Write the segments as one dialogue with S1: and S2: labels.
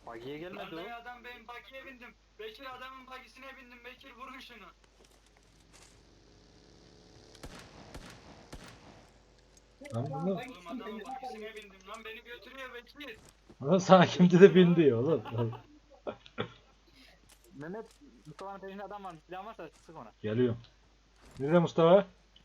S1: Bagiye gelmedi o.
S2: Adam benim bagiye bindim. Bekir adamın bagisine bindim. Bekir vurun şunu.
S3: Lan bunu
S2: Oğlum adamın bagisine bindim lan beni götürüyor Bekir.
S3: sana kimdi de bin diyor oğlum.
S1: Mehmet Mustafa'nın peşinde adam varmış. Silahın varsa sık ona.
S3: Geliyorum. Nerede Mustafa?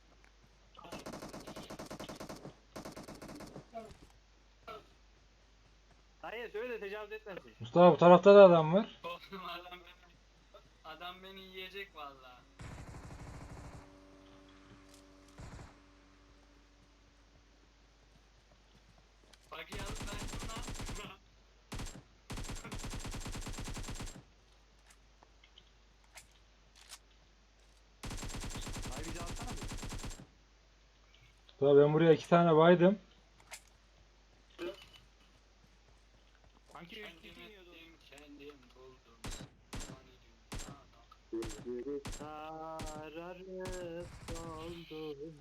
S1: Hayır söyle de tecavüz etmesin.
S3: Mustafa bu tarafta da adam var.
S2: Oğlum adam beni yiyecek vallahi. Bagi alıp ben şuna.
S1: Hayır bizi alsana bir.
S3: Mustafa ben buraya 2 tane baydım.
S1: Sanki üç kişi
S2: Kendim
S1: iniyordu.
S2: ettim kendim buldum.
S1: Gözleri sararıp soldum.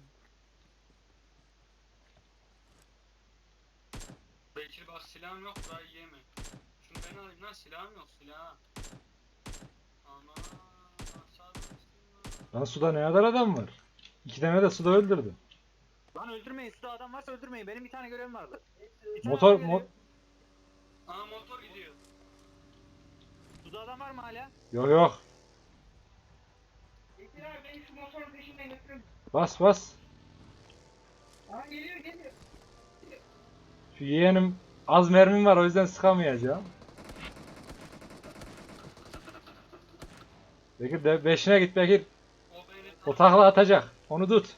S2: Bekir bak silahım yok burayı yeme. Şunu ben alayım lan silahım yok silah. Aman aşağıdan
S3: Lan suda ne kadar adam var? 2 tane de suda öldürdüm.
S1: Lan öldürmeyin. Suda adam varsa öldürmeyin. Benim bir tane görevim vardı. Bir tane
S3: Motor
S1: adam geliyor.
S2: Aa motor gidiyor.
S1: Suda adam var mı hala?
S3: Yok yok.
S4: Bekir abi beni şu motorun peşinden götürün.
S3: Bas bas.
S4: Aa geliyor geliyor.
S3: Şu yeğenim az mermim var o yüzden sıkamayacağım. Bekir de 5'ine git Bekir.
S2: O beni
S3: O takla atacak. Onu tut.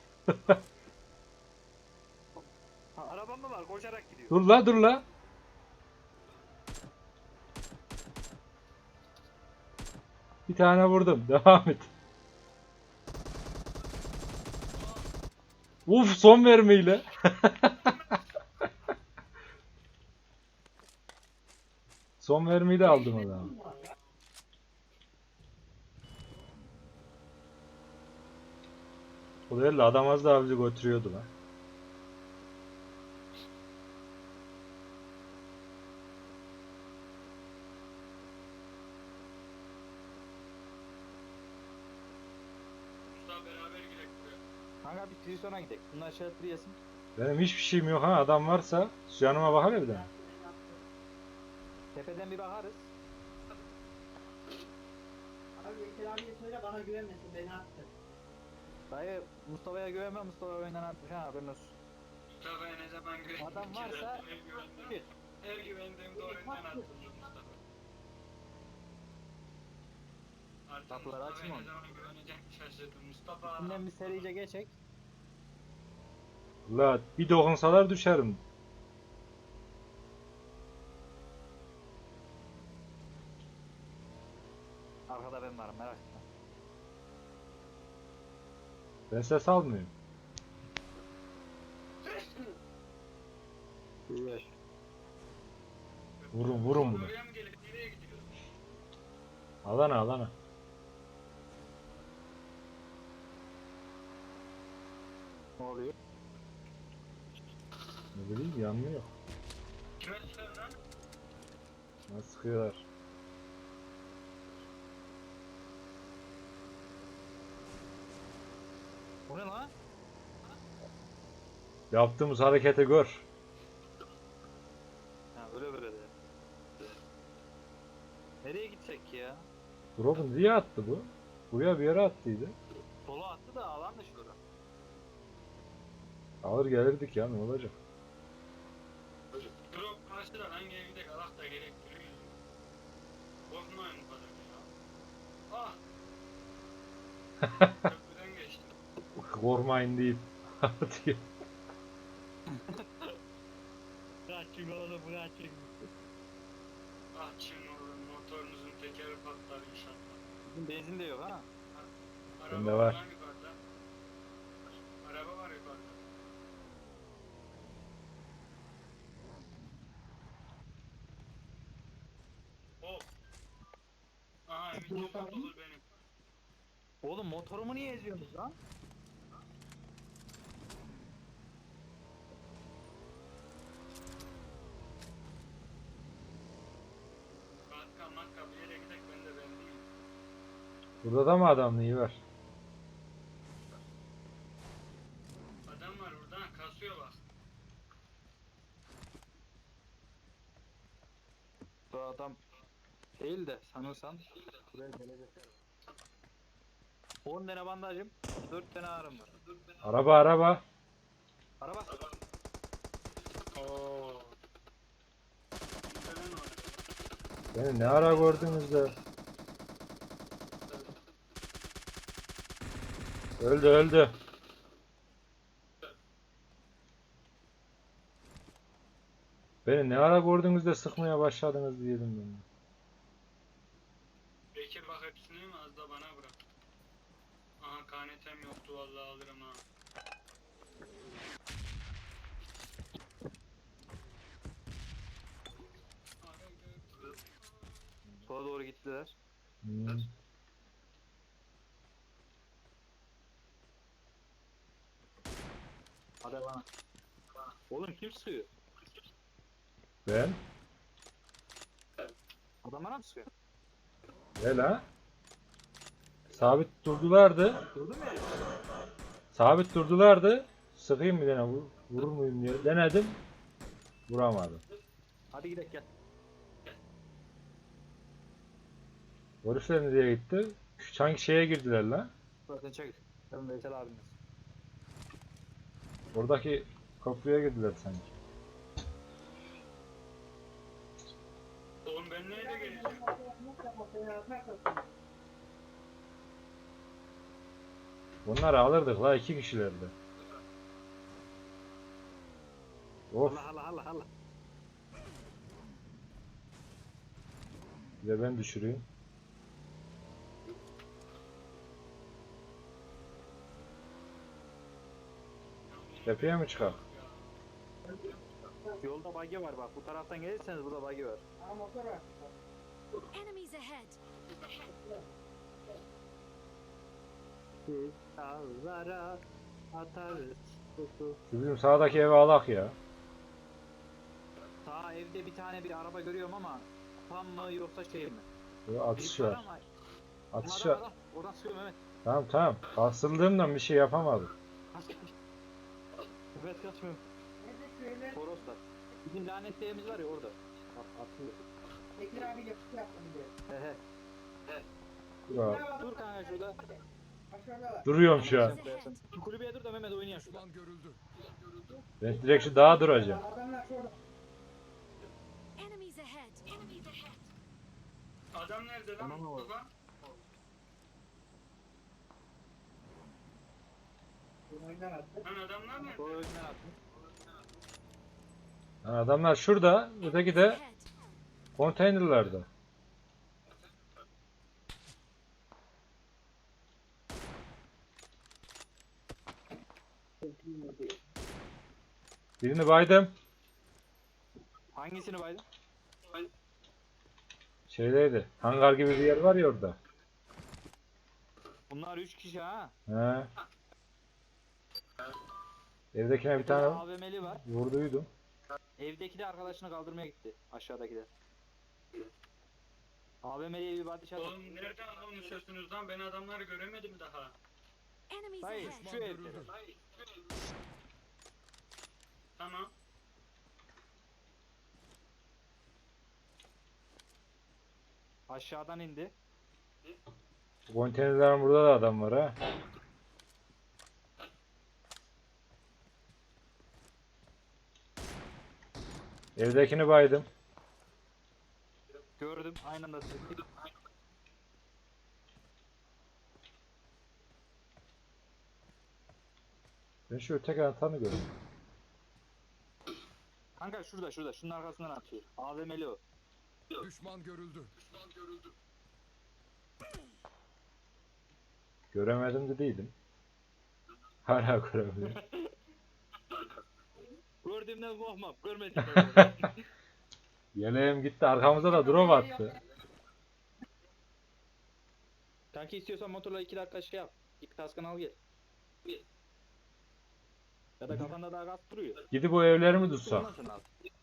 S1: Ha, arabam mı var? Koşarak gidiyor.
S3: Dur la dur la. Bir tane vurdum. Devam et. Uf son mermiyle. Son mermiyi de aldım adamı. O değil de adam az daha bizi götürüyordu lan.
S2: Usta beraber gidelim buraya.
S1: Kanka bir Trison'a gidelim. Bunlar şartlı yesin.
S3: Benim hiçbir şeyim yok ha. Adam varsa canıma bakar bir de.
S1: Tepeden bir bakarız.
S4: Abi Bekir abiye söyle bana güvenmesin beni attı.
S1: Dayı Mustafa'ya güvenme. Mustafa oyundan atmış ha haberin olsun.
S2: Mustafa'ya ne zaman güvendim
S1: Adam
S2: ki
S1: varsa
S2: zaten her güvendim.
S1: git.
S2: Her güvendiğimde oyundan attım Mustafa. Artık
S1: Kapıları
S2: Mustafa'ya
S1: açayım
S2: ne
S1: onu.
S2: zaman güveneceğim şaşırdım. Mustafa.
S1: İçinden bir serice geçek.
S3: La bir dokunsalar düşerim.
S1: Arkada ben varım merak etme.
S3: Ben ses almıyorum. Vurun vurun bunu.
S2: Oraya mı gelip nereye gidiyor?
S3: Alana alana.
S1: Ne oluyor?
S3: Ne bileyim yanmıyor.
S2: Kime sıkıyorsun lan?
S3: Nasıl sıkıyorlar?
S1: Bu ne lan?
S3: Yaptığımız hareketi gör.
S1: Ha öyle böyle de. Nereye gidecek ki ya?
S3: Drop'u niye attı bu? Buraya bir yere attıydı.
S1: Sola attı da alan dışı orası.
S3: Alır gelirdik ya ne olacak?
S2: Drop karşıda hangi evde kalak da gerektiriyor. Korkmayın bu kadar ya. Ah! Köprüden geçtim.
S3: Korkmayın deyip atıyor.
S1: Kaçın oğlum kaçın.
S2: Ah çim oğlum motorunuzun tekeri patlar inşallah.
S1: Bizim benzin de yok ha.
S3: Bende var.
S2: Lan yukarıda. Araba var yukarıda. Oh! Aha emin çok olur benim.
S1: Oğlum motorumu niye eziyorsunuz lan?
S3: Burada da mı adam iyi var?
S2: Adam var burada kasıyor bak.
S1: Bu adam değil de sanırsan. Buraya gelecek. 10 tane bandajım, 4 tane ağrım var.
S3: Araba araba.
S1: Araba.
S2: Oo. Falan var.
S3: Beni ne ara gördünüz de? Öldü öldü. Beni ne ara gördünüz de sıkmaya başladınız diyelim ben.
S2: Bekir bak hepsini mi az da bana bırak. Aha KNT'm yoktu vallahi alırım ha.
S1: Sola doğru gittiler.
S3: Hmm.
S1: Hadi bana. Oğlum kim sıkıyor?
S3: Ben?
S1: Adam bana mı sıkıyor?
S3: Ne la? Sabit durdulardı.
S1: Durdun mu ya?
S3: Sabit durdulardı. Sıkayım bir tane vurur muyum diye denedim. Vuramadım.
S1: Hadi gidelim gel.
S3: Herifler nereye gitti? Sanki şeye girdiler lan.
S1: Zaten çek. Ben Veysel abiniz.
S3: Oradaki kapıya girdiler sanki.
S2: Oğlum ben neyle geleceğim?
S3: Bunları alırdık la 2 kişilerdi. Of,
S1: Allah.
S3: bir de ben düşüreyim. Tepeye mi çıkar?
S1: Yolda buggy var bak. Bu taraftan gelirseniz burada buggy var.
S5: Enemies ahead.
S1: Biz dağlara atarız. Kutu.
S3: Şu bizim sağdaki eve alak ya.
S1: Sağ evde bir tane bir araba görüyorum ama tam mı yoksa şey mi?
S3: Böyle atış
S1: Büyük
S3: var.
S1: ama-
S3: Atış
S1: Adam,
S3: var.
S1: adam. Oradan sıkıyor Mehmet.
S3: Tamam. Asıldığımdan bir şey yapamadım.
S1: Mehmet kaçmıyor. Toroslar. Bizim lanetli evimiz var ya orada. Atıyor.
S4: Bekir abiyle kutu yaptım diyor.
S1: He.
S3: Ya,
S1: Dur kanka şurada.
S4: Aşağıda.
S3: duruyorum şu an.
S5: Enemies ahead.
S1: Şu kulübeye dur da Mehmet oynayalım şurada.
S3: Ben direkt şu dağa duracağım.
S4: Adamlar şurada.
S5: Enemies ahead. Enemies ahead.
S2: Adam nerede lan?
S1: Tamam oğlum.
S2: Baba.
S4: Oyundan attı.
S2: Lan adamlar nerede?
S1: Sonra önüne attım.
S3: Ha, adamlar şurada, öteki de
S5: Ahead.
S3: konteynerlarda. Birini baydım.
S1: Hangisini baydın?
S3: Şeydeydi. Hangar gibi bir yer var ya orada.
S1: Bunlar 3 kişi ha.
S3: He. Evdekine bir tane
S1: AVM'li var.
S3: vurduydum.
S1: Evdeki de arkadaşını kaldırmaya gitti. Aşağıdaki de. AVM'liye bir body shot attı.
S2: Oğlum nereden konuşuyorsunuz lan? Ben adamları göremedim daha.
S5: Enemies
S1: Hayır
S5: ahead.
S1: şu evde.
S2: Tamam.
S1: Aşağıdan indi.
S3: Konteynerlerin burada da adam var ha. Evdekini baydım.
S1: Gördüm. Aynı anda sıktık.
S3: Ben şu öteki atanı gördüm.
S1: Kanka şurada. Şunun arkasından atıyor. AVM'li o.
S6: Düşman görüldü.
S3: Göremedim de değilim. Hala göremiyorum.
S1: Gördüğümden korkmam. Görmedim.
S3: Yeleğim gitti. Arkamıza da drop attı.
S1: Kanki istiyorsan motorla 2 dakika şey yap. İp kaskını al gel. Ya da kafanda daha gaz duruyor.
S3: Gidip o evleri mi tutsak?
S1: Ondan sonra al.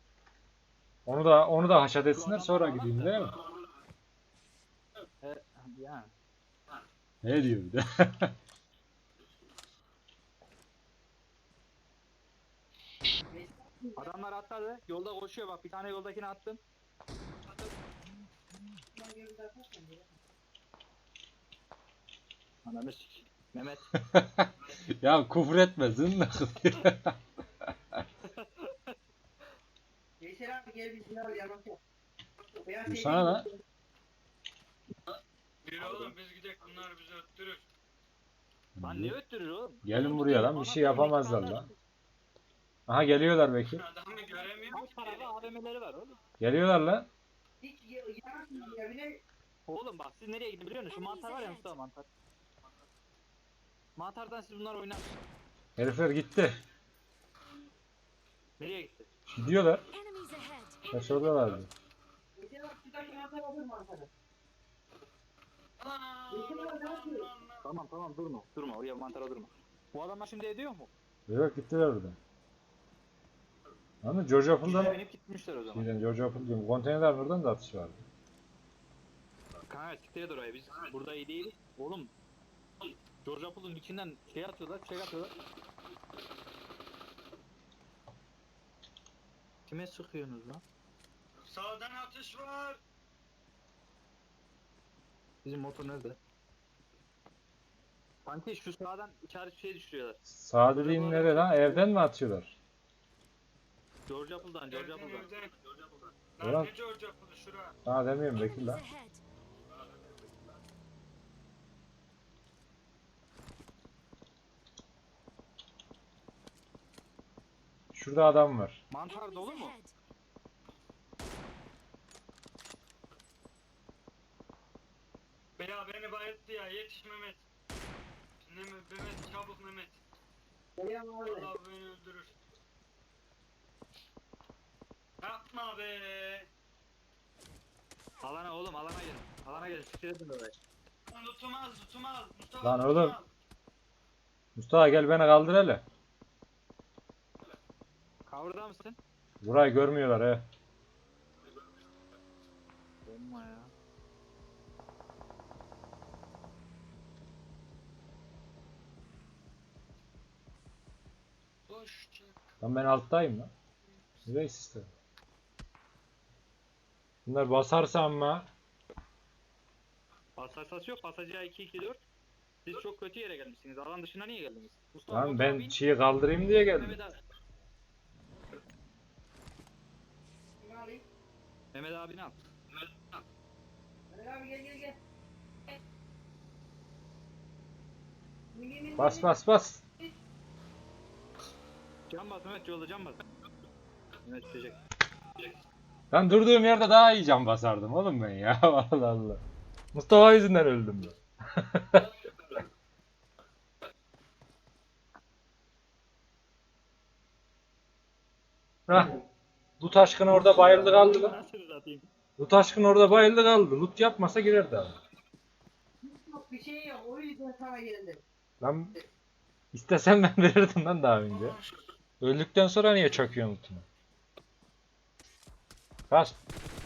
S3: Onu da haşat etsinler sonra gideyim değil mi?
S1: He, yani.
S3: Ne diyor bir de?
S1: Adamlar atladı. Yolda koşuyor bak. Bir tane yoldakini attım. Ananı sik. Mehmet.
S3: Ya küfür etme zınla.
S4: Veysel abi gel bir silah al yamak yap. Beyaz
S3: Bu
S4: şey
S3: sana
S4: değil
S3: lan.
S4: mi?
S2: Bir oğlum biz gidek bunlar bizi öttürür.
S1: Lan ne öttürür oğlum?
S3: Gelin buraya lan bir şey
S1: Anasını
S3: yapamazlar
S1: nikahlar.
S3: lan. Aha geliyorlar Bekir.
S2: Adamı göremiyorum
S1: Kaç
S2: ki.
S1: tarafa AVM'leri var oğlum.
S3: Geliyorlar lan.
S4: Hiç yanak ya bile.
S1: Oğlum bak siz nereye gidin biliyor musun? Şu mantar var ya Mustafa mantar. Mantardan siz bunlar oynar.
S3: Herifler gitti.
S1: Nereye gitti?
S3: Gidiyorlar.
S5: Enemies ahead.
S3: Kaç oradalardı.
S4: Veysel abi şuradaki mantar alır mı Ankara'da?
S2: Ana,
S4: Veysel abi ne yapıyor?
S1: Tamam durma. Durma oraya mantara durma. Bu adamlar şimdi ediyor mu?
S3: Yok gittiler oradan. Ama George Apple'dan
S1: Binip gitmişler o zaman.
S3: George Apple diyorum. Konteynerlerin oradan da atış vardı.
S1: Kanka siktir et oraya biz burada iyi değiliz. Oğlum George Apple'ın içinden şey atıyorlar, şey atıyorlar. Kime sıkıyorsunuz lan?
S2: Sağdan atış var.
S1: Bizim motor nerede? Sanki şu sağdan işaret şey düşürüyorlar.
S3: Sağ dediğin nere lan? Evden mi atıyorlar?
S1: George Apple'dan, George
S2: Evden
S1: Apple'dan.
S2: evden.
S3: Ulan.
S2: Lan ne George yapıldı şura.
S3: Ha demiyorum Bekir
S5: Enemies
S3: lan.
S5: ahead.
S3: Şurada adam var.
S1: Mantar dolu
S5: Enemies
S1: mu?
S5: ahead.
S2: Beni bayılttı ya yetiş Mehmet. Mehmet çabuk Mehmet.
S4: Geliyorum abi.
S2: Allah beni öldürür. Yapma be.
S1: Alana oğlum alana gelin. Alana gelin siktir edin orayı.
S2: Lan tutumaz. Mustafa
S3: Lan
S2: tutumaz.
S3: oğlum. Mustafa gel beni kaldır hele.
S1: Cover'da mısın?
S3: Burayı görmüyorlar he.
S1: Olma ya.
S2: Boş çek.
S3: Lan ben alttayım lan. Nereye sistem? Bunlar basarsa ama
S1: Pasaj yok. Pasajı 2-2-4. Siz çok kötü yere gelmişsiniz. Alan dışına niye geldiniz? Mustafa
S3: lan
S1: motora
S3: ben
S1: bin.
S3: çiğ kaldırayım diye geldim.
S1: Mehmet abi.
S4: Kimi alayım?
S1: Mehmet abini al.
S4: Veysel abi gel.
S3: Bas.
S1: Can bas Mehmet yolda can bas. Mehmet düşecek.
S3: Lan durduğum yerde daha iyi can basardım oğlum ben ya. Allah Allah. Mustafa yüzünden öldüm ben. Hah. Loot aşkın orada bayıldı kaldı lan.
S1: Nasıl atayım?
S3: Loot aşkın orada bayıldı kaldı. Loot yapmasa girerdi abi.
S4: Yok bir şey yok. O yüzden sana geldim.
S3: Lan istesem ben verirdim lan daha önce. Öldükten sonra niye çakıyorsun lootunu? Kaç.